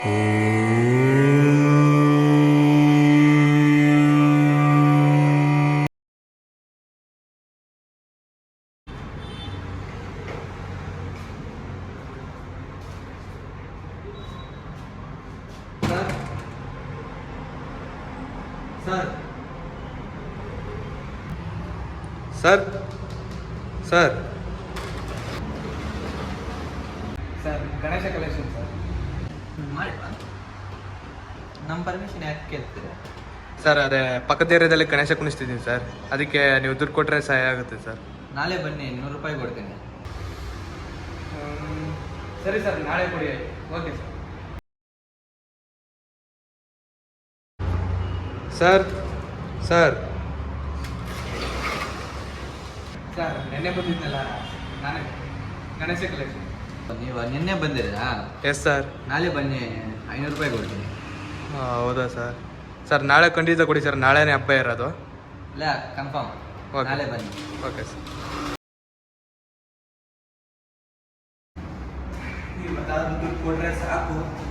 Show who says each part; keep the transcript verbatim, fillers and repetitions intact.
Speaker 1: Sir sir sir
Speaker 2: sir Ganesha collection sir ಮಾಡಿ ನಮ್ಮ permission ಯಾಕೆ ಕೇಳ್ತೀರಾ?
Speaker 1: ಸರ್ ಅದೇ ಪಕ್ಕದ ಏರಿಯಾದಲ್ಲಿ ಗಣೇಶ ಕುಣಿಸ್ತಿದ್ದೀನಿ ಸರ್, ಅದಕ್ಕೆ ನೀವು ದುಡ್ಡು ಕೊಟ್ಟರೆ ಸಹಾಯ ಆಗುತ್ತೆ ಸರ್.
Speaker 2: ನಾಳೆ ಬನ್ನಿ, ನೂರು ರೂಪಾಯಿ ಕೊಡ್ತೀನಿ.
Speaker 1: ಸರಿ ಸರ್, ನಾಳೆ ಕೊಡಿ. Okay sir. Sir sir sir ನೆನ್ನೆ ಬಂದಿದ್ನಲ್ಲ ನಾನೇ, ಗಣೇಶ ಕಲೆಕ್ಷನ್.
Speaker 2: ನೀವು ನಿನ್ನೆ ಬಂದಿರಾ?
Speaker 1: Yes sir.
Speaker 2: ನಾಳೆ ಬನ್ನಿ, ಐನೂರು ರೂಪಾಯಿ ಕೊಡ್ತೀನಿ.
Speaker 1: ಹಾಂ ಹೌದಾ ಸರ್? ಸರ್ ನಾಳೆ ಖಂಡಿತ ಕೊಡಿ ಸರ್, ನಾಳೆನೇ ಹಬ್ಬ ಇರೋದು.
Speaker 2: ಇಲ್ಲ ಕನ್ಫರ್ಮ್, ನಾಳೆ ಬನ್ನಿ.
Speaker 1: Okay sir.
Speaker 2: ನೀವು ದುಡ್ಡು ಕೊಟ್ಟರೆ ಸಾಕು.